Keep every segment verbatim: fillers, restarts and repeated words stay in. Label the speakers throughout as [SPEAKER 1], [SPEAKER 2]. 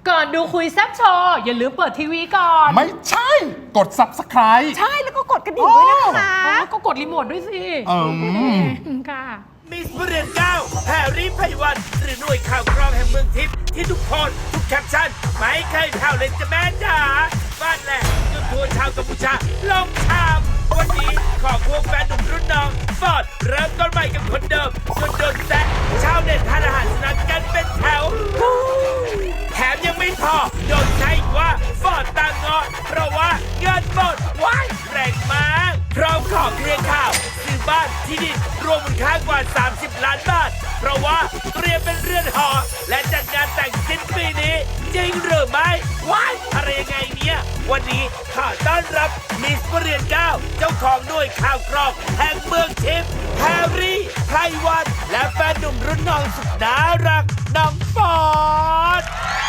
[SPEAKER 1] ก่อนดูคุยแซ่บโชว์อย่าลืมเปิดทีวีก่อน
[SPEAKER 2] ไม่ใช่กด ซับสไครบ์
[SPEAKER 3] ใช่แล้วก็กดกระดิ่งด้วยนะคะ
[SPEAKER 1] อ๋อก็กดรีโมทด้วยสิ
[SPEAKER 2] อืม
[SPEAKER 1] ค่ะ
[SPEAKER 4] มิสเรียนเก้าแพรรี่ไพวันหรือหน่วยข่าวกรองแห่งเมืองทิพย์ที่ทุกคนทุกแคปชั่นไม่เคยแผ่วเลยจะแม่จ๋าบ้านแหลกจนทัวร์ชาวกัมพูชาลงชามวันนี้ขอควงแฟนหนุ่มรุ่นน้องฟอร์ดเริ่มต้นใหม่กับคนเดิมจนโดนแซะชาวเน็ตทานอาหารสนันกันเป็นแถวแถมยังไม่พอโดนใช้อีกว่าฟอร์ดตางงอเพราะว่าเงินหมดว้ายแรงมากพร้อมขอเคลียร์ข่าวซื้อบ้านที่ดินรวมมูลค่ากว่าสามสิบล้านบาทเพราะว่าเตรียมเป็นเรือนหอและจัดงานแต่งสิ้นปีนี้จริงหรือไม่ว้ายอะไรยังไงเนี่ยวันนี้ขอต้อนรับมิสเรียนเก้าเจ้าของหน่วยข่าวกรองแห่งเมืองทิพย์แฮร์รี่ไพวันและแฟนหนุ่มรุ่นน้องสุดน่ารักน้องฟอร์ด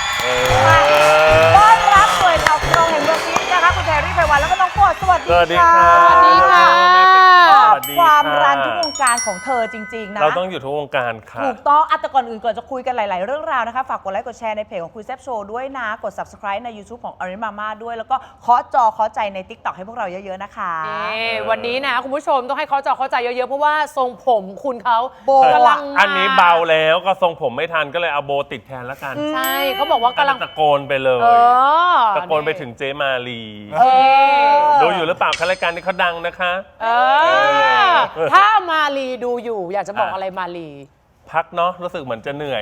[SPEAKER 3] ต้อนรับหน่วยข่าวกรองแห่งเมืองทิพย์นะคะคุณแพรรี่ไพวันแล้วก็น้องโปรดสวัสดี
[SPEAKER 5] สวัสดี
[SPEAKER 3] ค่ะ
[SPEAKER 5] ค่ะ
[SPEAKER 1] สวัสดีค่ะ
[SPEAKER 5] สวัสดี
[SPEAKER 3] ความ
[SPEAKER 5] ค่ะ
[SPEAKER 3] รันทุกวงการของเธอจริงๆนะ
[SPEAKER 5] เราต้องอยู่ทุกวงการค่ะ
[SPEAKER 3] ถูกต้องอ่ะแต่ก่อนอื่นก่อนจะคุยกันหลาย ๆ เรื่องราวนะคะ ฝากกดไลค์กดแชร์ในเพจของคุยแซ่บโชว์ด้วยนะ กด subscribe ใน YouTube ของ Orange Mama ด้วย แล้วก็เคาะจอเคาะใจใน TikTok ให้พวกเราเยอะ ๆ นะคะ
[SPEAKER 1] เอ่วันนี้นะคุณผู้ชมต้องให้เขาจอเข้าใจเยอะๆเพราะว่าทรงผมคุณเขา
[SPEAKER 3] โบ
[SPEAKER 1] กำลังมา
[SPEAKER 5] อันนี้เบาแล้วก็ทรงผมไม่ทันก็เลยเอาโบติดแทนแล้วกัน
[SPEAKER 1] ใช่เขาบอกว่ากำลัง
[SPEAKER 5] ตะโกนไปเลย
[SPEAKER 1] เออ
[SPEAKER 5] ตะโกนไปถึงเจมาลี
[SPEAKER 1] เออ
[SPEAKER 5] ดูอยู่หรือเปล่าคะรายการนี้เขาดังนะคะ
[SPEAKER 1] เออถ้ามาลีดูอยู่อยากจะบอกอะไรมาลี
[SPEAKER 5] พักเนาะรู้สึกเหมือนจะเหนื่อย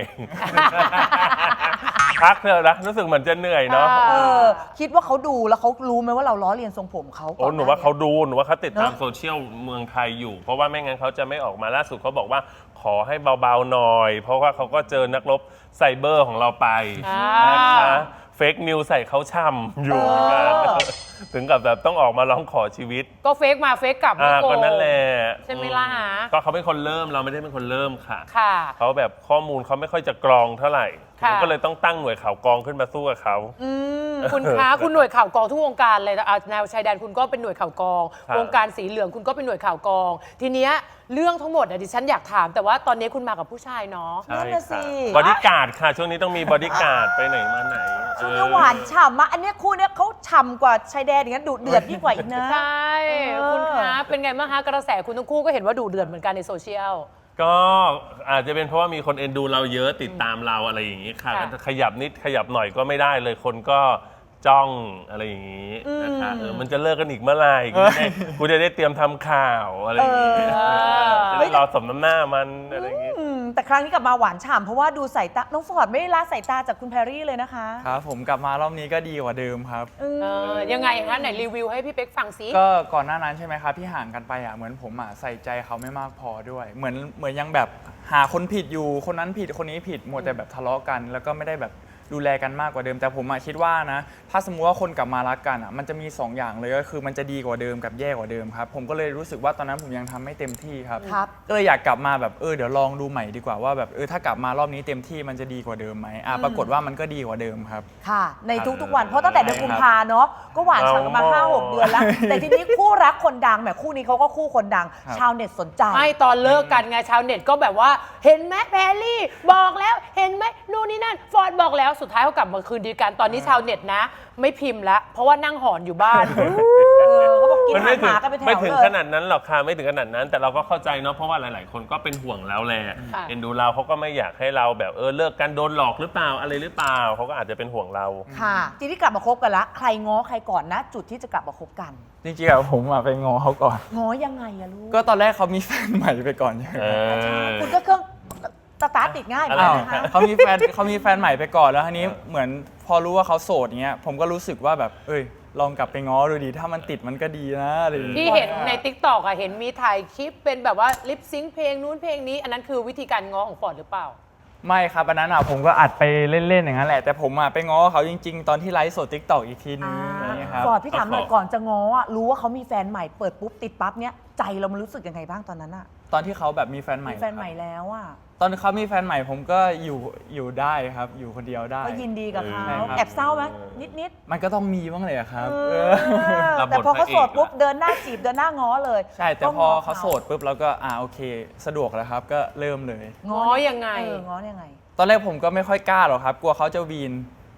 [SPEAKER 5] พักเถอะนะรู้สึกเหมือนจะเหนื่อยเนาะ
[SPEAKER 3] เออ คิดว่าเขาดูแล้วเขารู้ไหมว่าเราล้อเลียนทรงผมเขา
[SPEAKER 5] โอ้หนูว่าเขาดูหนูว่าเขาติดตาม
[SPEAKER 3] เนอะ
[SPEAKER 5] โซเชียลเมืองไทยอยู่ เพราะว่าไม่งั้นเขาจะไม่ออกมาล่าสุดเขาบอกว่าขอให้เบาๆหน่อย เพราะว่าเขาก็เจอนักรบไซเบอร์ของเราไป
[SPEAKER 1] อ่า
[SPEAKER 5] นะคะเฟกนิวใส่เขาช่ำอยู่เหมือนกันถึงกับแบบต้องออกมาร้องขอชีวิต
[SPEAKER 1] ก็เฟกมาเฟกกลับ
[SPEAKER 5] อ่า
[SPEAKER 1] ไม่โก
[SPEAKER 5] ก็นั่นแหละ
[SPEAKER 1] ใช่ไหมล่ะฮะ
[SPEAKER 5] ก็เขาเป็นคนเริ่มเราไม่ได้เป็นคนเริ่มค่ะ
[SPEAKER 1] ค่ะ
[SPEAKER 5] เขาแบบข้อมูลเขาไม่ค่อยจะกรองเท่าไหร่
[SPEAKER 1] ค่ะ
[SPEAKER 5] ก็เลยต้องตั้งหน่วยข่าวกรองขึ้นมาสู้กับเขา
[SPEAKER 3] อืม
[SPEAKER 1] คุณคะคุณหน่วยข่าวกองทุกวงการเลยนะอ่ะแนวชายแดนคุณก็เป็นหน่วยข่าวกอง
[SPEAKER 5] ครับ
[SPEAKER 1] วงการสีเหลืองคุณก็เป็นหน่วยข่าวกอง ทีเนี้ยเรื่องทั้งหมดอ่ะดิฉันอยากถาม แต่ว่าตอนนี้คุณมากับผู้ชายเนาะ
[SPEAKER 5] ใช่
[SPEAKER 3] นั่นน่ะสิ
[SPEAKER 5] ค่ะบอดี้การ์ดค่ะ ช่วงนี้ต้องมีบอดี้การ์ดไปไหนมาไหน
[SPEAKER 3] ช่วงนี้หวานฉ่ำมากอันเนี้ยคู่เนี้ยเขาฉ่ำกว่าชายแดนอย่างนั้นดุเดือดยิ่งกว่าอีกนะ
[SPEAKER 1] ใช่
[SPEAKER 3] เออ
[SPEAKER 1] คุณคะเป็นไงบ้างคะกระแสคุณทั้งคู่ก็เห็นว่าดุเดือดเหมือนกันในโซเชียล
[SPEAKER 5] ก็อาจจะเป็นเพราะว่ามีคนเอ็นดูเราเยอะติดตามเราอะไรอย่างนี้ค่ะ
[SPEAKER 1] ค่ะ
[SPEAKER 5] ขยับนิดขยับหน่อยก็ไม่ได้เลยคนก็จ้องอะไรอย่างนี้นะคะเออมันจะเลิกกันอีกเมื่อไหร่กูจะได้กูจะได้เตรียมทำข่าวอะไรอย่างนี้
[SPEAKER 1] เออ
[SPEAKER 5] จะได้รอสมน้ำหน้ามันอะไรอย่างนี้
[SPEAKER 3] อืมแต่ครั้งนี้กลับมาหวานฉ่ำเพราะว่าดูสายตา น้องฟอร์ดไม่ได้ละสายตาจากคุณแพรรี่เลยนะคะ
[SPEAKER 6] ครับผมกลับมารอบนี้ก็ดีกว่าเดิมครับ
[SPEAKER 3] อืม
[SPEAKER 1] เออยังไงคะไหนรีวิวให้พี่เป๊กฟังซิ
[SPEAKER 6] ก็ก่อนหน้านั้นใช่ไหมครับที่ห่างกันไปอ่ะเหมือนผมอ่ะใส่ใจเขาไม่มากพอด้วย เหมือนเหมือนยังแบบหาคนผิดอยู่คนนั้นผิดคนนี้ผิดหมดแต่แบบทะเลาะกัน แล้วก็ไม่ได้แบบดูแลกันมากกว่าเดิม แต่ผมอ่ะคิดว่านะถ้าสมมติว่าคนกลับมารักกันอ่ะมันจะมีสองอย่างเลยก็คือมันจะดีกว่าเดิมกับแย่กว่าเดิมครับผมก็เลยรู้สึกว่าตอนนั้นผมยังทำไม่เต็มที่ครับ
[SPEAKER 3] ครับ
[SPEAKER 6] ก็เลยอยากกลับมาแบบเออเดี๋ยวลองดูใหม่ดีกว่าว่าแบบเออถ้ากลับมารอบนี้เต็มที่มันจะดีกว่าเดิมไหมอ่ะปรากฏว่ามันก็ดีกว่าเดิมครับ
[SPEAKER 3] ค่ะ ในทุกๆวัน เพราะตั้งแต่เดือนกุมภาเนาะก็หวานฉ่ำกันมา ห้าหก เดือนแล้ว แต่ทีนี้คู่รักคนดังแหมคู่นี้เขาก็คู่คนดัง
[SPEAKER 6] ครับ
[SPEAKER 3] ชาวเน็ตสนใจ
[SPEAKER 1] ไม่ตอนเลิกกันไงชาวเน็ตก็แบบว่าเห็นไหมแพรรี่บอกแล้วเห็นไหมนู่นนี่นั่นฟอร์ดบอกแล้วสุดท้ายเขากลับมาคืนดีกันตอนนี้ชาวเน็ตนะ ไม่พิมพ์แล้วเพราะว่านั่งหอนอยู่บ้าน
[SPEAKER 3] เออเขาบอกกิน
[SPEAKER 5] มัน
[SPEAKER 3] อา
[SPEAKER 5] ไม่
[SPEAKER 3] หาร
[SPEAKER 5] ถึง
[SPEAKER 3] หมากันเป็นแถว
[SPEAKER 5] ไม่ถึง
[SPEAKER 3] เลย
[SPEAKER 5] ขนาดนั้นหรอกค่ะไม่ถึงขนาดนั้น แต่เราก็เข้าใจเนาะเพราะว่าหลาย ๆ คนก็เป็นห่วงเราแหละ
[SPEAKER 1] ค่ะ
[SPEAKER 5] เอ็นดูเราเขาก็ไม่อยากให้เราแบบเออเลิกกันโดนหลอกหรือเปล่าอะไรหรือเปล่าเขาก็อาจจะเป็นห่วงเรา
[SPEAKER 3] ค่ะทีนี้กลับมาคบกันละใครง้อใครก่อนนะ จุดที่จะกลับมาคบกัน
[SPEAKER 6] จริงๆอะผมอะไปงอเขาก่อน
[SPEAKER 3] ง้อยังไงอะลูก
[SPEAKER 6] ก็ตอนแรกเขามีแฟนใหม่ไปก่อนใช่ไหม
[SPEAKER 5] เออ
[SPEAKER 3] คุณก็เครื่องสตาร์ทติดง่ายเหมือน
[SPEAKER 6] อ้า
[SPEAKER 3] กั
[SPEAKER 6] วน
[SPEAKER 3] นะคะ
[SPEAKER 6] เขามีแฟนเขามีแฟนใหม่ไปก่อนแล้วทีนี้เหมือนพอรู้ว่าเขาโสดเงี้ยผมก็รู้สึกว่าแบบเอ้ยลองกลับไปง้อดูดีถ้ามันติดมันก็ดีนะอะไรอย่าง
[SPEAKER 1] ที่
[SPEAKER 6] เงี้ย
[SPEAKER 1] เห็นใน ติ๊กต็อกอะเห็นมีถ่ายคลิปเป็นแบบว่าลิปซิงค์เพลงนู้นเพลงนี้ อันนั้นคือวิธีการง้อของฟอร์ดหรือเปล่า
[SPEAKER 6] ไม่ครับอันนั้นอ่ะผมก็อัดไปเล่นๆอย่างนั้นแหละแต่ผมอ่ะไปง้อเขาจริง ๆ ตอนที่ไลฟ์สดทิกตอกอีกทีนึงอย่างเงี้ยครับ
[SPEAKER 3] ฟอร์ดพี่ถามหน่อยก่อนจะง้ออะรู้ว่าเขามีแฟนใหม่เปิดปุ๊บติดปั๊บเนี้ยใจเรามันรู้สึกยังไงบ้างตอนนั้นอะ
[SPEAKER 6] ตอนที่เขาแบบมีแฟนใหม่
[SPEAKER 3] มีแฟนใหม่แล้วอะ
[SPEAKER 6] ตอนเขามีแฟนใหม่ผมก็อยู่อยู่ได้ครับ อยู่คนเดียวได้
[SPEAKER 3] ก็ยินดีกับเขา
[SPEAKER 6] ใช่ครับ
[SPEAKER 3] แอบเศร้าไหมนิดนิด
[SPEAKER 6] มันก็ต้องมีบ้างเลยอะครับ
[SPEAKER 3] ๆเอ
[SPEAKER 6] เอ
[SPEAKER 3] อ
[SPEAKER 6] อ
[SPEAKER 5] รับบท
[SPEAKER 3] แต่พอเขาโสด
[SPEAKER 5] พระเอก
[SPEAKER 3] ปุ๊บเดินหน้าจีบเดินหน้าง้อเลย
[SPEAKER 6] ใช่แต่
[SPEAKER 3] ก็
[SPEAKER 6] พอ
[SPEAKER 3] ง้
[SPEAKER 6] เขาโสดปุ๊บเราก็อ่าโอเค สะดวกแล้วครับ ก็เริ่มเลย
[SPEAKER 1] ง้อยังไง
[SPEAKER 3] เออง้อยังไง
[SPEAKER 6] ตอนแรกผมก็ไม่ค่อยกล้าหรอกครับ กลัวเขาจะวีน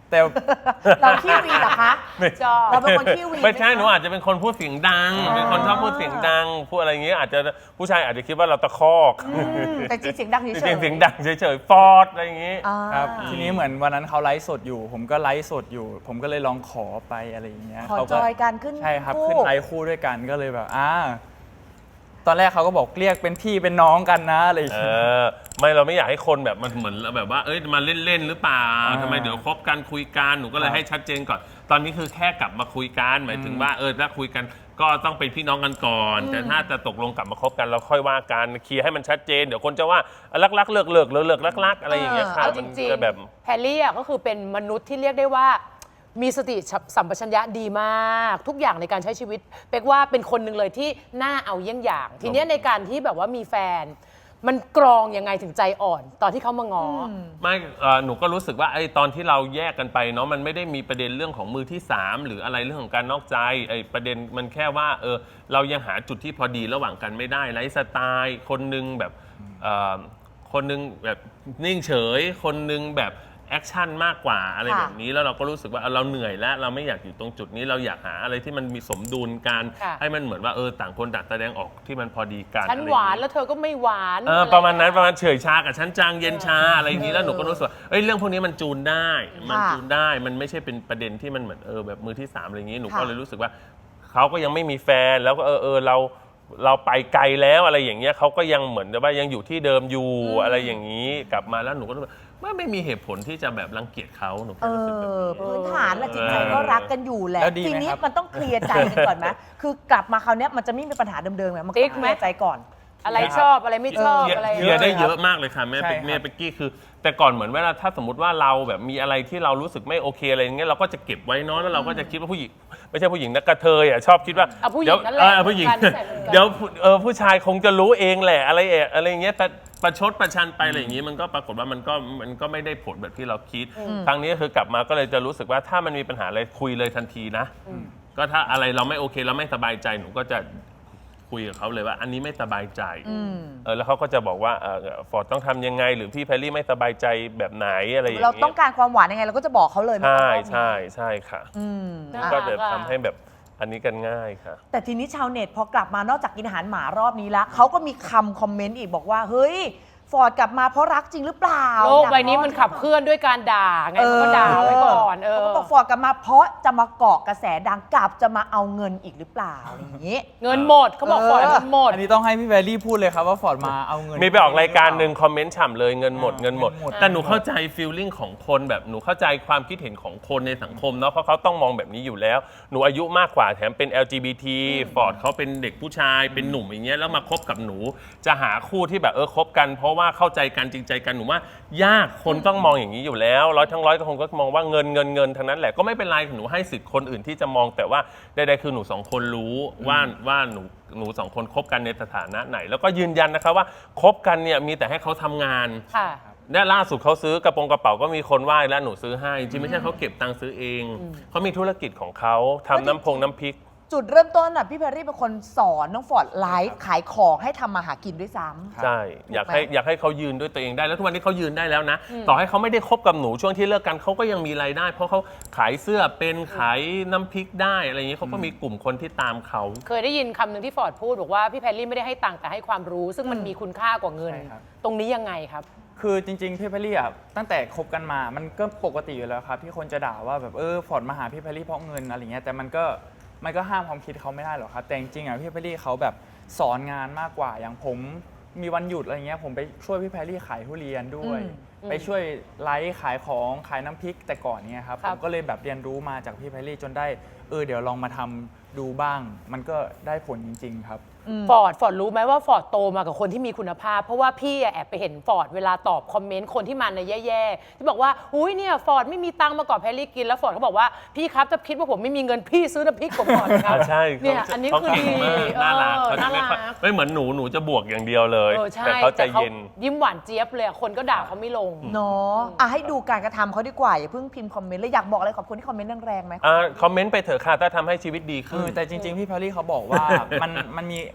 [SPEAKER 6] แต่
[SPEAKER 3] เราขี้วีเหรอคะ
[SPEAKER 1] ชอบ
[SPEAKER 3] เราเป็นคนขี้วี
[SPEAKER 5] ไม่ใช่
[SPEAKER 3] หคะ
[SPEAKER 5] หนูอาจจะเป็นคนพูดเสียงดัง เป็นคนชอบพูดเสียงดัง พูดอะไรอย่างเงี้ยอาจจะผู้ชายอาจจะคิดว่าเราตะคอก
[SPEAKER 3] อืมแต่จริงเสียงดังเฉย
[SPEAKER 5] จ
[SPEAKER 3] ๆ
[SPEAKER 5] ริงๆเสียงดังเฉยๆฟอดอะไรอย่างงี้
[SPEAKER 3] อ่า
[SPEAKER 6] ครับทีนี้เหมือนวันนั้นเขาไลฟ์สดอยู่ ผมก็ไลฟ์สดอยู่ ผมก็เลยลองขอไปอะไรอย่างเงี้ย
[SPEAKER 3] ขอ
[SPEAKER 6] เขา
[SPEAKER 3] จอยกันขึ้น
[SPEAKER 6] ใช่ครับ
[SPEAKER 3] คู่
[SPEAKER 6] ขึ้นไลฟ์คู่ด้วยกันก็เลยแบบอ่าตอนแรกเขาก็บอกเรียกเป็นพี่เป็นน้องกันนะอะไรอย่าง
[SPEAKER 5] เอ
[SPEAKER 6] เงี้ย
[SPEAKER 5] อไม่เราไม่อยากให้คนแบบมันเหมือนแบบว่าเอ้ยมาเล่นๆหรือเปล่า
[SPEAKER 6] อ่า
[SPEAKER 5] ทำไมเดี๋ยวคบกันคุยกันหนูก็เลย
[SPEAKER 6] ครับ
[SPEAKER 5] ให้ชัดเจนก่อน ตอนนี้คือแค่กลับมาคุยกันหมายถึงว่าเออถ้าคุยกันก็ต้องเป็นพี่น้องกันก่อน แต่ถ้าจะตกลงกลับมาคบกันเราค่อยว่ากันเคลียร์ให้มันชัดเจนเดี๋ยวคนจะว่ารักรักๆเลิกเลิกเลิกเลิกรักรักๆอะไรอย่างเงี้ยค่ะ
[SPEAKER 1] เอาจ
[SPEAKER 5] มัน
[SPEAKER 1] ริง
[SPEAKER 5] จะแบบ
[SPEAKER 1] ๆแพรรี่อะก็คือเป็นมนุษย์ที่เรียกได้ว่า มีสติสัมปชัญญะดีมาก ทุกอย่างในการใช้ชีวิตเป๊กว่าเป็นคนหนึ่งเลยที่น่าเอาเยี่ยงอย่าง ทีเนี้ยในการที่แบบว่ามีแฟน มันกรองยังไงถึงใจอ่อน ตอนที่เขามางออ
[SPEAKER 5] ไม่เอ่อหนูก็รู้สึกว่าไอ้ตอนที่เราแยกกันไปเนาะมันไม่ได้มีประเด็นเรื่องของมือที่สามหรืออะไรเรื่องของการนอกใจไอ้ประเด็นมันแค่ว่าเออเรายังหาจุดที่พอดีระหว่างกันไม่ได้ไลฟ์สไตล์คนนึงแบบเอ่อคนนึงแบบนิ่งเฉย คนนึงแบบแอคชั่นมากกว่าอะไร
[SPEAKER 3] ค่ะ
[SPEAKER 5] แบบนี้แล้วเราก็รู้สึกว่าเออเราเหนื่อยแล้วเราไม่อยากอยู่ตรงจุดนี้เราอยากหาอะไรที่มันมีสมดุลกัน
[SPEAKER 1] ค่ะ
[SPEAKER 5] ให้มันเหมือนว่าเออต่างคนต่างแสดงออกที่มันพอดีกัน
[SPEAKER 1] ฉัน
[SPEAKER 5] อะไร
[SPEAKER 1] หวาน
[SPEAKER 5] อย่งงี้
[SPEAKER 1] แล้วเธอก็ไม่หวาน
[SPEAKER 5] เออ
[SPEAKER 1] อไ
[SPEAKER 5] ประมาณนั้นประมาณเฉยชากับชั้นจางเย็นชาอะไรอย่างนี้แล้วหนูก็รู้สึกว่าเอ้ยเรื่องพวกนี้มันจูนได้ มัน
[SPEAKER 3] ค่ะ
[SPEAKER 5] จูนได้มันไม่ใช่เป็นประเด็นที่มันเหมือนเออแบบมือที่สามอะไรอย่างนี้หนู
[SPEAKER 3] ค่ะ
[SPEAKER 5] ก็เลยรู้สึกว่าเขาก็ยังไม่มีแฟนแล้วก็เออเออเราเราไปไกลแล้วอะไรอย่างเงี้ยเขาก็ยังเหมือนกับว่ายังอยู่ที่เดิมอยู่อะไรอย่างนี้กลับมาแล้วหนูก็รู้สึกว่าไม่มีเหตุผลที่จะแบบรังเกียจเขาหนู
[SPEAKER 3] เอ
[SPEAKER 5] แค่รู้สึกแบบ
[SPEAKER 3] อ
[SPEAKER 5] นี้
[SPEAKER 3] พื้นฐานละจิตใจก็รักกันอยู่แหละ
[SPEAKER 6] แล้วดีไหม
[SPEAKER 3] ทีนี้
[SPEAKER 6] ครับ
[SPEAKER 3] มันต้องเคลียร์ใจกันก่อนไหมคือกลับมาคราวเนี้ยมันจะไม่มีปัญหาเดิมๆไงมันก็
[SPEAKER 1] ติ๊ก
[SPEAKER 3] เค
[SPEAKER 1] ไหม
[SPEAKER 3] ลียร์ใจก่อน
[SPEAKER 1] อะไรชอบอะไรไม่ชอบ
[SPEAKER 5] เคลียร์
[SPEAKER 1] อะไร
[SPEAKER 5] เคลียร์ได้เยอะมากเลยค่ะแม่
[SPEAKER 6] ใช่
[SPEAKER 5] เป็ก
[SPEAKER 6] ครับ
[SPEAKER 5] แม่เป็กกี้คือ แต่ก่อนเหมือนเวลาถ้าสมมติว่าเราแบบมีอะไรที่เรารู้สึกไม่โอเคอะไรอย่างเงี้ยเราก็จะเก็บไว้เนาะแล้วเราก็จะคิดว่าผู้หญิงไม่ใช่ผู้หญิงนะกระเทยอ่ะชอบคิดว่า
[SPEAKER 1] เอาผู้หญิ
[SPEAKER 5] เดี๋
[SPEAKER 1] ง
[SPEAKER 5] ยว
[SPEAKER 1] นั่นแหละ
[SPEAKER 5] เออผู้หญิง
[SPEAKER 1] การนิสัยเหมือนกัน
[SPEAKER 5] เดี๋ยวเออผู้ชายคงจะรู้เองแหละอะไรเอะอะไรอย่างเงี้ยแต่ประชดประชันไปอะไรอย่างงี้มันก็ปรากฏว่ามันก็มันก็ไม่ได้ผลแบบที่เราคิด ครั้งนี้ก็คือกลับมาก็เลยจะรู้สึกว่าถ้ามันมีปัญหาอะไรคุยเลยทันทีนะ ก็ถ้าอะไรเราไม่โอเคเราไม่สบายใจหนูก็จะคุยกับเขาเลยว่า อันนี้ไม่สบายใจเออแล้วเขาก็จะบอกว่าฟอร์ดต้องทำยังไง หรือพี่แพรรี่ไม่สบายใจแบบไหนอะไรอย่าง
[SPEAKER 3] เรา
[SPEAKER 5] เงี้ย
[SPEAKER 3] ต้องการความหวานยังไงเราก็จะบอกเขาเลยไหม
[SPEAKER 5] ใช่
[SPEAKER 3] รอบนี้
[SPEAKER 5] ใช่ใช่ค่ะ
[SPEAKER 3] อืม
[SPEAKER 1] น่า
[SPEAKER 5] ก็
[SPEAKER 1] รั
[SPEAKER 5] จะ
[SPEAKER 1] อะ
[SPEAKER 5] ทำให้แบบอันนี้กันง่ายค่ะ
[SPEAKER 3] แต่ทีนี้ชาวเน็ตพอกลับมานอกจากกินอาหารหมารอบนี้ละเขาก็มีคำคอมเมนต์อีกบอกว่า เฮ้ย ฟอร์ดกลับมาเพราะรักจริงหรือเปล่า
[SPEAKER 1] โลกใบนี้มันขับเคลื่อนด้วยการด่าไงเขาก็ด่าไว้ก่อนเออ
[SPEAKER 3] เขาก็บอกฟอร์ดกลับมาเพราะจะมาเกาะกระแสดังกลับจะมาเอาเงินอีกหรือเปล่าอะไรอย่างนี้
[SPEAKER 1] เงินหมดเขาบอก
[SPEAKER 3] เออ
[SPEAKER 1] ฟอร์ดเงินหมด
[SPEAKER 6] อันนี้ต้องให้พี่แวลลี่พูดเลยครับว่าฟอร์ดมาเอาเงิน
[SPEAKER 5] มีไปออกรายการหนึ่งคอมเมนต์ฉ่ำเลยเงินหมด
[SPEAKER 6] อ่า
[SPEAKER 5] เงินหมด
[SPEAKER 6] เงินหมด
[SPEAKER 5] แต่หนูเข้าใจฟีลลิ่งของคนแบบหนูเข้าใจความคิดเห็นของคนในสังคมเนาะเพราะเขาต้องมองแบบนี้อยู่แล้ว หนูอายุมากกว่าแถมเป็น แอล จี บี ที ฟอร์ดเขาเป็นเด็กผู้ชายเป็นหนุ่มอย่างเงี้ยแล้วมาคบกับหนู จะหาคู่ที่แบบเออคบกัน เพราะว่าเข้าใจกันจริงใจกันหนูว่ายากคนต้องมองอย่างนี้อยู่แล้วร้อยทั้งร้อยก็คงก็มองว่าเงินเงินเงินทั้งนั้นแหละก็ไม่เป็นไรหนูให้สิทธิ์คนอื่นที่จะมองแต่ว่าใดๆคือหนูสองคนรู้ว่าว่าหนูหนูสองคนคบกันในสถานะไหน แล้วก็ยืนยันนะคะว่าคบกันเนี่ยมีแต่ให้เขาทำงาน
[SPEAKER 1] ค่ะ
[SPEAKER 5] เนี่ยล่าสุดเขาซื้อกระโปรงกระเป๋าก็มีคนไหว้แล้วหนูซื้อให้จริงๆไม่ใช่เขาเก็บตังค์ซื้อเองเขามีธุรกิจของเขาทำน้ำพงน้ำพริก
[SPEAKER 3] จุดเริ่มต้นอ่ะพี่แพรรี่เป็นคนสอนน้องฟอร์ดไลฟ์ขายของให้ทำมาหากินด้วยซ้ำ
[SPEAKER 5] ใช่อยาก
[SPEAKER 3] ถูกไหม
[SPEAKER 5] ให้อยากให้เขายืนด้วยตัวเองได้แล้วทุกวันนี้เขายืนได้แล้วนะ ต่อให้เขาไม่ได้คบกับหนูช่วงที่เลิกกันเขาก็ยังมีรายได้ เพราะเขาขายเสื้อเป็นขายน้ำพริกได้อะไรอย่างนี้เขาก็มีกลุ่มคนที่ตามเขา
[SPEAKER 1] เคยได้ยินคำหนึ่งที่ฟอร์ดพูดบอกว่าพี่แพรรี่ไม่ได้ให้ตังค์แต่ให้ความรู้ ซึ่งมันมีคุณค่ากว่าเงิน
[SPEAKER 6] ใช่ครับ
[SPEAKER 1] ตรงนี้ยังไงครับ
[SPEAKER 6] คือจริงๆพี่แพรรี่อ่ะตั้งแต่คบกันมามันก็ปกติอยู่แล้วครับที่คนจะด่าว่าแบบเออฟอร์ดมาหาพี่แพรรี่เพราะเงินอะไรเงี้ยแต่มันก็มันก็ห้ามความคิดเขาไม่ได้หรอกครับแต่จริงๆอ่ะพี่แพรรี่เขาแบบสอนงานมากกว่าอย่างผมมีวันหยุดอะไรเงี้ยผมไปช่วยพี่แพรรี่ขายทุเรียนด้วย
[SPEAKER 1] อืม
[SPEAKER 6] ไปช่วยไลฟ์ขายของขายน้ำพริกแต่ก่อนเนี่ยครับ
[SPEAKER 1] ครั
[SPEAKER 6] ผ
[SPEAKER 1] บ
[SPEAKER 6] มก็เลยแบบเรียนรู้มาจากพี่แพรรี่จนได้เออเดี๋ยวลองมาทำดูบ้าง มันก็ได้ผลจริงๆครับ
[SPEAKER 1] ฟอร์ดฟอร์ดรู้ไหมว่าฟอร์ดโตมากับคนที่มีคุณภาพ เพราะว่าพี่อะแอบไปเห็นฟอร์ดเวลาตอบคอมเมนต์คนที่มาในแย่ๆที่บอกว่าอุ้ยเนี่ยฟอร์ดไม่มีตังค์มาก่อนแพรรี่กินแล้วฟอร์ดเขาบอกว่าพี่ครับจะคิดว่าผมไม่มีเงินพี่ซื้อน้ำพริกผมก่อนครับ
[SPEAKER 5] อ่าใช่
[SPEAKER 1] เนี่ยอันนี้
[SPEAKER 5] เขา
[SPEAKER 1] คือ
[SPEAKER 5] เก่ง
[SPEAKER 1] ดี
[SPEAKER 5] มากน่ารัก
[SPEAKER 1] เออ
[SPEAKER 5] เขาจะไม่ค่อย
[SPEAKER 1] น่ารัก
[SPEAKER 5] ไม่เหมือนหนูหนูจะบวกอย่างเดียวเลย
[SPEAKER 1] เออใช่
[SPEAKER 5] แต่เขาใจเย็น
[SPEAKER 1] ยิ้มหวานเจี๊ยบเลยอะคนก็ด่าเขาไม่ลง
[SPEAKER 3] เนาะอ่ะให้ดูการกระทำเขาดีกว่า อย่าเพิ่งพิมพ์คอมเมนต์เลยอยากบอกอะไรขอบคุณที่คอมเมนต์แรงๆไหม
[SPEAKER 5] อ่าคอมเมนต์ไปเถอะค่ะถ้าทำให้ชีวิตดี
[SPEAKER 6] คื
[SPEAKER 5] ขึ้
[SPEAKER 6] อน แต่จริงๆ พี่แพรรี่เขาบอกว่า มันมันมี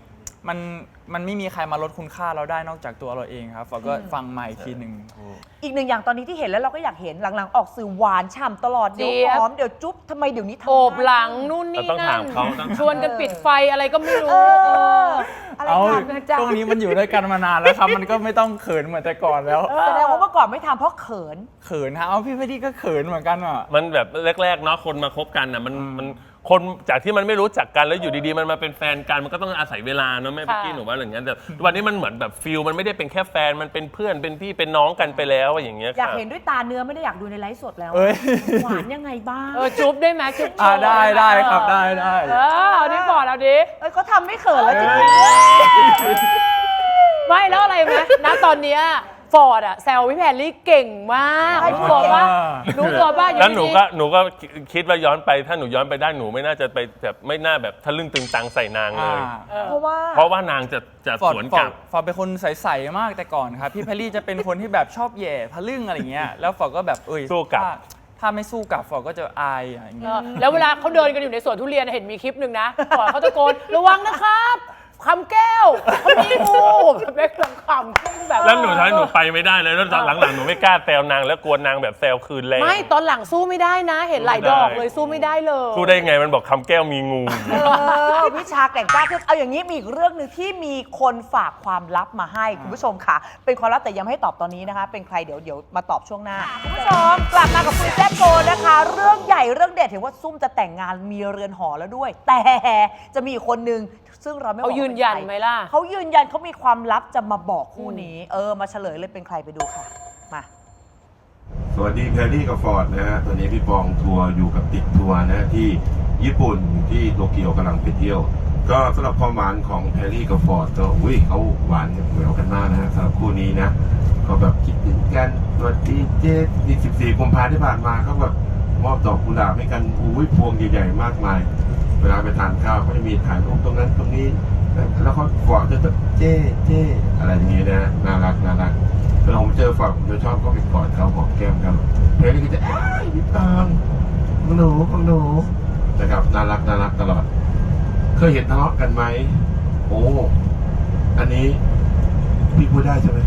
[SPEAKER 6] มันมันไม่มีใครมาลดคุณค่าเราได้นอกจากตัวเราเองครับฟอร์ดก็ฟังมาอีกทีหนึ่ง
[SPEAKER 3] อีกหนึ่งอย่างตอนนี้ที่เห็นแล้วเราก็อยากเห็นหลังๆออกสื่อหวานฉ่ำตลอดเดี๋ยว
[SPEAKER 1] เจี๊ยบ
[SPEAKER 3] หอมเดี๋ยวจุ๊บทำไมเดี๋ยวนี้ทำ
[SPEAKER 1] โอบ
[SPEAKER 3] ได้
[SPEAKER 1] หลังนู่นนี่
[SPEAKER 5] ต้อง
[SPEAKER 1] นั่
[SPEAKER 5] ถาน มเขาต้อง
[SPEAKER 1] ชวนกันปิดไฟอะไรก็ไม่รู้
[SPEAKER 3] เอออะไร
[SPEAKER 6] เอา
[SPEAKER 3] กันนะจ๊ะ
[SPEAKER 6] ช่วงนี้มันอยู่ด้วยกันมานานแล้วครับ มันก็ไม่ต้องเขินเหมือนแต่ก่อนแล้ว
[SPEAKER 3] แสดงว่าเมื่อก่อนไม่ทำเพราะเขิน
[SPEAKER 6] เขินฮะเอาพี่เพดดี้ก็เขินเหมือนกันอ่ะ
[SPEAKER 5] มันแบบแรกๆเนาะคนมาคบกันอ่ะมันมันคนจากที่มันไม่รู้จักกันแล้วอยู่ดีๆมันมาเป็นแฟนกันมันก็ต้องอาศัยเวลาเนาะแม่
[SPEAKER 1] ค่ะ
[SPEAKER 5] พี่กี้หนูว่าอย่างเงี้ยแต่วันนี้มันเหมือนแบบฟิลมันไม่ได้เป็นแค่แฟนมันเป็นเพื่อนเป็นพี่เป็นน้องกันไปแล้วอย่างเงี้ย
[SPEAKER 3] อยาก
[SPEAKER 5] ค่ะ
[SPEAKER 3] เห็นด้วยตาเนื้อไม่ได้อยากดูในไลฟ์สดแล้ว
[SPEAKER 6] เอ้ย
[SPEAKER 3] หวานยังไงบ้าง
[SPEAKER 1] เออจุ๊บได้ไหมจุ๊บ
[SPEAKER 6] อ่า
[SPEAKER 1] โชว์
[SPEAKER 6] ได้ได้ครับได้ได้
[SPEAKER 1] เออเอาดิฟอร์ดเอาดิ
[SPEAKER 3] เอ้ยเขาทำไม่เขินแล้วจริง
[SPEAKER 1] ไม่แล้วอะไรไหมณตอนเนี้ยฟอร์ดอะแซวพี่แพรรี่เก่งมากรู้ตัวป่ะรู้ตัวป่ะอยู่
[SPEAKER 5] แล้วหนู
[SPEAKER 1] ดีๆ
[SPEAKER 5] ก็หนูก็คิดว่าย้อนไปถ้าหนูย้อนไปได้หนูไม่น่าจะไปแบบไม่น่าแบบทะลึ่งตึงตังใส่นางเลย
[SPEAKER 3] ๆเพราะว่า
[SPEAKER 5] เพราะว่านางจะจะ
[SPEAKER 6] ฟอร์
[SPEAKER 5] ส
[SPEAKER 6] ด
[SPEAKER 5] วน
[SPEAKER 6] ฟ
[SPEAKER 5] ก
[SPEAKER 6] อ
[SPEAKER 5] ลั
[SPEAKER 6] ร์
[SPEAKER 5] บ
[SPEAKER 6] ดฟอร์ดเป็นคนใสๆมากแต่ก่อนครับ พี่เพลลี่จะเป็นคนที่แบบชอบแหย่ทะลึ่งอะไรเงี้ยแล้วฟอร์ดก็แบบเอ้ย
[SPEAKER 5] สู้กลับ
[SPEAKER 6] ถ้าถ้าไม่สู้กลับฟอร์ดก็จะอายอย่าง
[SPEAKER 1] เอ
[SPEAKER 6] เงี้ย
[SPEAKER 1] อแล้วเวลาเขาเดินกันอยู่ในสวนทุเรียนเห็นมีคลิปหนึ่งนะก่อนเขาตะโกนระวังนะครับคำแก้วเขามีงูแบบเล็กลำคำแบบ
[SPEAKER 5] แล้วหนูท้ายหนูไปไม่ได้เลยแล้วตอนหลังๆหนูไม่กล้าแซวนางแล้วกลัวนางแบบแซวคืนแรง
[SPEAKER 1] ไม่ตอนหลังสู้ไม่ได้นะ เห็นหลายดอกเลยสู้ไม่ได้เลย
[SPEAKER 5] สู้ได้ไงมันบอกคำแก้วมีงู
[SPEAKER 3] เออวิชาแกร่งกล้าขึ้นเอาอย่างนี้มีอีกเรื่องหนึ่งที่มีคนฝากความลับมาให้คุณผู้ชมค่ะ เป็นความลับแต่ยังไม่ให้ตอบตอนนี้นะคะ เป็นใครเดี๋ยวเดี๋ยวมาตอบช่วงหน้าคุณผู้ชมกลับมากับคุยแซ่บโกนะคะ เรื่องใหญ่เรื่องเด็ดเห็นว่าซุ่มจะแต่งงานมีเรือนหอแล้วด้วย แต่จะมีอีกคนนึงซึ่งเราไม่บอก
[SPEAKER 1] เขายืนยันไหมล่ะ
[SPEAKER 3] เขายืนยันเขามีความลับจะมาบอกคู่นี้ เออมาเฉลยเลยเป็นใครไปดูค่ะมา
[SPEAKER 7] สวัสดีแพรรี่กับฟอร์ดนะฮะ ตอนนี้พี่ปองทัวร์อยู่กับติ๊กทัวร์นะที่ญี่ปุ่นที่โตเกียวกำลังไปเที่ยว ก็สำหรับความหวานของแพรรี่กับฟอร์ดก็อุ้ยเขาหวานเหมือนกันมากนะฮะสำหรับคู่นี้นะเขาแบบคิดถึงกันสวัสดีเจ๊ที่สิบสี่กุมภาพันธ์ที่ผ่านมาเขาแบบมอบดอกกุหลาบให้กันอุ้ยพวงใหญ่ๆมากมาย เวลาไปทานข้าวเขาจะมีถ่ายรูปตรงนั้นตรงนี้ แล้วเขาฟอร์ดจะแบบเจ๊เจ๊อะไรอย่างนี้นะน่ารักน่ารักเวลาผมเจอฟอร์ดผมจะชอบก็ไปกอดเขาหอมแก้มเขาเพลงนี้ก็จะเอ้ยพี่ปางของหนูของหนูนะครับน่ารักน่ารักตลอด เคยเห็นทะเลาะกันไหมโอ้อันนี้พี่พูดได้ใช่ไหม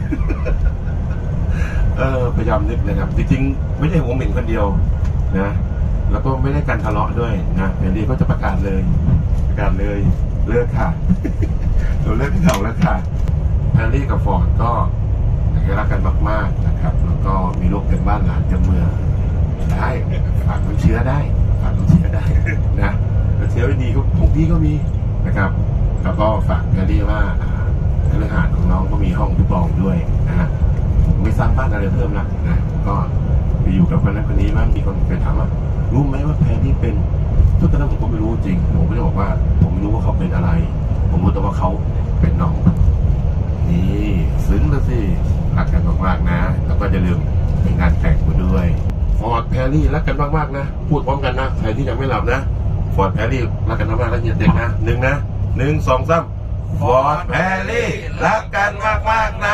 [SPEAKER 7] เออพยายามนึกนะครับจริงๆไม่ใช่ผมเหม็นคนเดียวนะแล้วก็ไม่ได้การทะเลาะด้วยนะเพลงนี้ก็จะประกาศเลยประกาศเลยเลิกค่ะ เราเลิกกันเราแล้วค่ะแพรรี่กับฟอร์ดก็รักกันมากๆนะครับ แล้วก็มีลูกเต็มบ้านหลานเต็มเมืองได้ฝากน้ำเชื้อได้ฝากน้ำเชื้อได้ นะน้ำเชื้อไม่ดีก็ของพี่ก็มีนะครับ แล้วก็ฝากแพรรี่ว่าคฤหาสน์ของน้องก็มีห้องพี่ปองด้วยนะฮะผมไม่สร้างบ้านอะไรเพิ่มละนะก็ไปอยู่กับคนนั้นคนนี้บ้างมีคนเคยถามว่ารู้ไหมว่าแพรรี่เป็นทุกตอนนั้นผมก็ไม่รู้จริงผมไม่ได้บอกว่าผมไม่รู้ว่าเขาเป็นอะไร ผมรู้แต่ว่าเขาเป็นน้องนี่ซึ้งแล้วสิรักกันมากๆนะแล้วก็อย่าลืมไปงานแต่งมาด้วยฟอร์ดแพรรี่รักกันมากๆนะพูดพร้อมกันนะใครที่ยังไม่หลับนะฟอร์ดแพรรี่รักกันมากๆแล้วอย่าเด็กนะหนึ่งนะหนึ่งสองสามฟอร์ดแพรรี่รักกันมากๆนะ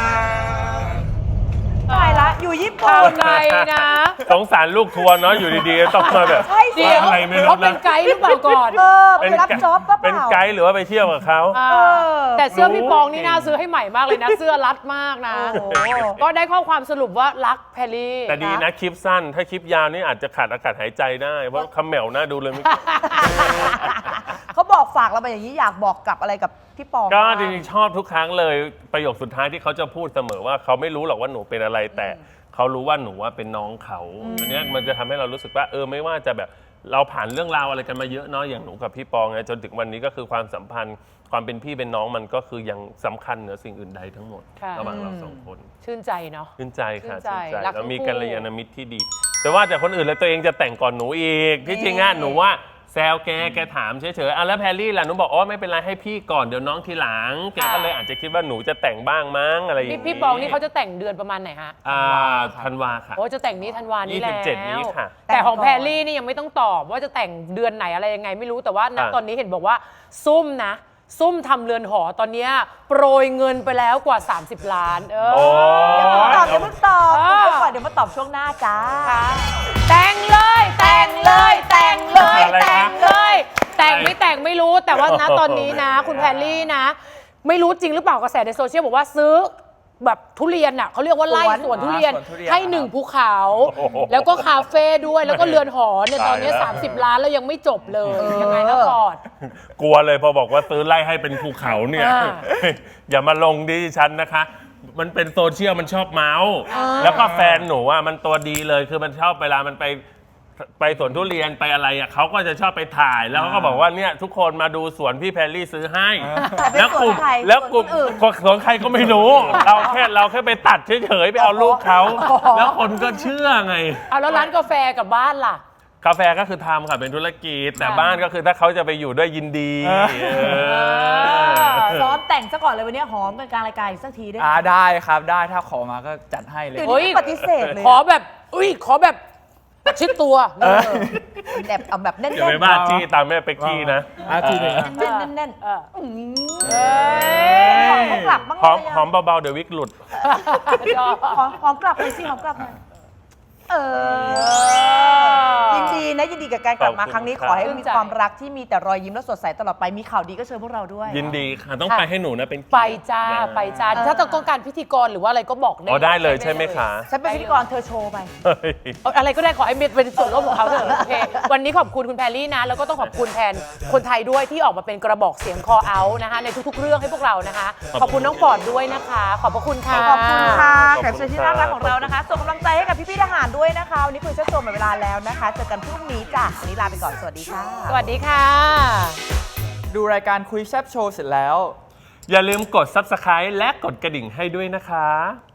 [SPEAKER 3] ตายละอยู่ญี่ปุ่
[SPEAKER 1] เอา
[SPEAKER 3] น
[SPEAKER 1] ไงนะ
[SPEAKER 5] สงสารลูกทัวร์เนาะอยู่ดีๆต้องมาแบบ
[SPEAKER 3] ใช่สิ
[SPEAKER 1] เดี๋ยว
[SPEAKER 5] อะไรไม่รู้
[SPEAKER 1] เขาเป็น
[SPEAKER 5] นะ
[SPEAKER 1] ไกด์หรือเปล่าก่อน
[SPEAKER 3] เออไปรับจ็อบก็เป
[SPEAKER 5] เป็น
[SPEAKER 3] ล่า
[SPEAKER 5] ไกด์หรือว่าไปเที่ยวกับเขา
[SPEAKER 1] อ่า
[SPEAKER 3] เออ
[SPEAKER 1] แต่เสื้อพี่ปองนี่น่าซื้อให้ใหม่มากเลยนะ เสื้อรัดมากนะ
[SPEAKER 3] โอ้โห
[SPEAKER 1] ก็ได้ข้อความสรุปว่ารักแพรรี่
[SPEAKER 5] แต่ดีนะคลิปสั้น ถ้าคลิปยาวนี่อาจจะขาดอากาศหายใจได้ เพราะคำแหมวน่าดูเลยเมื่อกี้
[SPEAKER 3] เขาบอกฝากเรามาอย่างนี้อยากบอกกลับอะไรกับพี่ปอง
[SPEAKER 5] ก็
[SPEAKER 3] บ้าง
[SPEAKER 5] จริงๆชอบทุกครั้งเลยประโยคสุดท้ายที่เขาจะพูดเสมอว่าเขาไม่รู้หรอกว่าหนูเป็นอะไรแต่เขารู้ว่าหนูว่าเป็นน้องเขาอันเนี้ยมันจะทำให้เรารู้สึกว่าเออไม่ว่าจะแบบเราผ่านเรื่องราวอะไรกันมาเยอะเนาะอย่างหนูกับพี่ปองไงจนถึงวันนี้ก็คือความสัมพันธ์ความเป็นพี่เป็นน้องมันก็คือยังสำคัญเหนือสิ่งอื่นใดทั้งหมด
[SPEAKER 1] ค่ะ
[SPEAKER 5] ระหว่างเราสองคน
[SPEAKER 1] ชื่นใจเนาะ
[SPEAKER 5] ชื่นใจค่ะ
[SPEAKER 1] ชื่
[SPEAKER 5] ชื่
[SPEAKER 1] น
[SPEAKER 5] น
[SPEAKER 1] ใจ
[SPEAKER 5] ใจ
[SPEAKER 1] รัก
[SPEAKER 5] แล้วมี
[SPEAKER 1] ทั้งคู่
[SPEAKER 5] กัลยาณมิตรที่ดี แต่ว่าแต่คนอื่นแล้วตัวเองจะแต่งก่อนหนูอีกที่จริงอ่ะหนูว่าแซวแกแกถามเฉยๆอ่ะแล้วแพรรี่ล่ะหนูบอกอ๋อไม่เป็นไรให้พี่ก่อนเดี๋ยวน้องทีหลังแกก็เลยอาจจะคิดว่าหนูจะแต่งบ้างมั้งอะไรอย่าง
[SPEAKER 1] พี่
[SPEAKER 5] นี้
[SPEAKER 1] พี่ปองนี่เขาจะแต่งเดือนประมาณไหนฮะ
[SPEAKER 5] อ่าธันวาค่ะ
[SPEAKER 1] โอ้จะแต่งนี้ธันวานี้แล้ว
[SPEAKER 5] ยี่สิบเจ็ดนี้ค่ะ
[SPEAKER 1] แต่ของแพรรี่นี่ยังไม่ต้องตอบว่าจะแต่งเดือนไหนอะไรยังไงไม่รู้แต่ว่าณ
[SPEAKER 5] อ่ะ
[SPEAKER 1] ตอนนี้เห็นบอกว่าซุ่มนะ ซุ่มทำเรือนหอตอนเนี้ยโปรยเงินไปแล้วกว่า สามสิบ ล้าน เออ
[SPEAKER 5] โอ้
[SPEAKER 3] เดี๋ยวเพิ่งตอบเดี๋ยวเพิ่งตอบ
[SPEAKER 1] อ่า
[SPEAKER 3] คุณไปก่อนเดี๋ยวมาตอบช่วงหน้าจ้า
[SPEAKER 1] แต่งเลย แต่งเลย แต่งเลย
[SPEAKER 5] อะไรนะ
[SPEAKER 1] แต่งเลย แต่งไม่แต่งไม่รู้ดแต่ว่านะตอนนี้นะ คุณแพรรี่นะ ไม่รู้จริงหรือเปล่ากระแสในโซเชียลบอกว่าซื้อแบบทุเรียนอ่ะเขาเรียกว่าไล่สวนทุเรียน
[SPEAKER 6] สวนทุเรียน
[SPEAKER 1] ให้หนึ่งภูเขา แล้วก็คาเฟ่ด้วยแล้วก็เรือนหอเนี่ยตอนนี้
[SPEAKER 5] ตายแล้ว
[SPEAKER 1] สามสิบล้านแล้วยังไม่จบเลยยังไงนะฟอร์ด
[SPEAKER 5] กลัวเลยพอบอกว่าซื้อไล่ให้เป็นภูเขาเนี่ย
[SPEAKER 1] อ่า
[SPEAKER 5] อย่ามาลงดิฉันนะคะ มันเป็นโซเชียลมันชอบเมาส์แล้วก็แฟนหนูอ่ะมันตัวดีเลยคือมันชอบเวลามันไปไปสวนทุเรียนไปอะไรอ่ะเขาก็จะชอบไปถ่ายแล้วเขาก็บอกว่าเนี่ยทุกคนมาดูสวนพี่แพรรี่ซื้อให้ แล้วกลุ่ม
[SPEAKER 3] แต่เป็นสวนใคร
[SPEAKER 5] แล้วกลุ่ม
[SPEAKER 3] สวนคนอื่น
[SPEAKER 5] ก็สวนใครก็ไม่รู้ เราแค่เราแค่ไปตัดเฉยๆไปเอารูปเขาแล้วคนก็เชื่อไง
[SPEAKER 1] เอาแล้วร้านกาแฟกับบ้านล่ะ
[SPEAKER 5] กาแฟก็คือทำค่ะเป็นธุรกิจแต่บ้านก็คือถ้าเขาจะไปอยู่ด้วยยินดีเออ
[SPEAKER 3] ซ้อมแต่งซะก่อนเลยวันนี้หอมกันกลางรายการอีกสักทีได้ไหม
[SPEAKER 6] อ่าได้ครับได้ถ้าขอมาก็จัดให้เลย
[SPEAKER 3] เดี๋ยว
[SPEAKER 1] เฮ้
[SPEAKER 3] นี้
[SPEAKER 1] ย
[SPEAKER 3] ปฏิเสธเลย
[SPEAKER 1] ขอแบบอุ้ยขอแบบประชิดตัว
[SPEAKER 3] เออแบบเอาแบบแน่นๆ
[SPEAKER 5] อย่าไปบ้าจี้ตามแม่เป็กกี้นะ
[SPEAKER 6] อ่ะทีหนึ่ง
[SPEAKER 3] แน่นๆแน่น
[SPEAKER 1] เออ
[SPEAKER 3] ๆอืมหอมเขากลับบ้าง
[SPEAKER 5] หอม
[SPEAKER 3] เลยะ
[SPEAKER 5] หอมเบาๆเดี๋ยววิกหลุด
[SPEAKER 1] ชอบ
[SPEAKER 3] หอมหอมกลับเลยสิหอมกลับหน่อยเออยินดีนะยินดีกับการกลับมา
[SPEAKER 5] ขอบคุณ
[SPEAKER 3] ครั้งนี้
[SPEAKER 5] ครับ
[SPEAKER 3] ขอให้มีความรักที่มีแต่รอยยิ้มและสดใสตลอดไปมีข่าวดีก็เชิญพวกเราด้วย
[SPEAKER 5] ยินดีค่ะต้องไปให้หนูนะเป็น
[SPEAKER 1] ไปจ้าไปจ้าถ้าต้องการพิธีกรหรือว่าอะไรก็บอกได้
[SPEAKER 5] อ๋อได้เลยใช่ไหมคะ
[SPEAKER 3] ฉันเป็นพิธีกรเธอโชว์ไป
[SPEAKER 5] เฮ้ย
[SPEAKER 1] เอาอะไรก็ได้ขอให้เป็นส่วนร่วมของเขาเถอะโอเควันนี้ขอบคุณคุณแพรรี่นะ แล้วก็ต้องขอบคุณแทนคนไทยด้วยที่ออกมาเป็นกระบอกเสียงคอเอานะคะในทุกๆ เรื่องให้พวกเรานะคะ ขอบคุณน้องฟอร์ดด้วยนะคะ ขอบพระคุณค่ะ
[SPEAKER 3] ขอบคุณค่ะ
[SPEAKER 5] ขอบคุณ
[SPEAKER 3] แขกรับเชิญที่น่ารักของเรานะคะส่งกำลังใจให้กับพี่ๆทหารด้วยนะคะวันนี้คุยเชิดโจมหมดเวลาแล้วนะคะเจอกันพรุ่งนี้จ้ะวันนี้ลาไปก่อนสวัสดีค่ะ
[SPEAKER 1] สวัสดีค่ะ
[SPEAKER 6] ดูรายการคุยแซบโชว์เสร็จแล้ว
[SPEAKER 5] อย่าลืมกด ซับสไครบ์ และกดกระดิ่งให้ด้วยนะคะ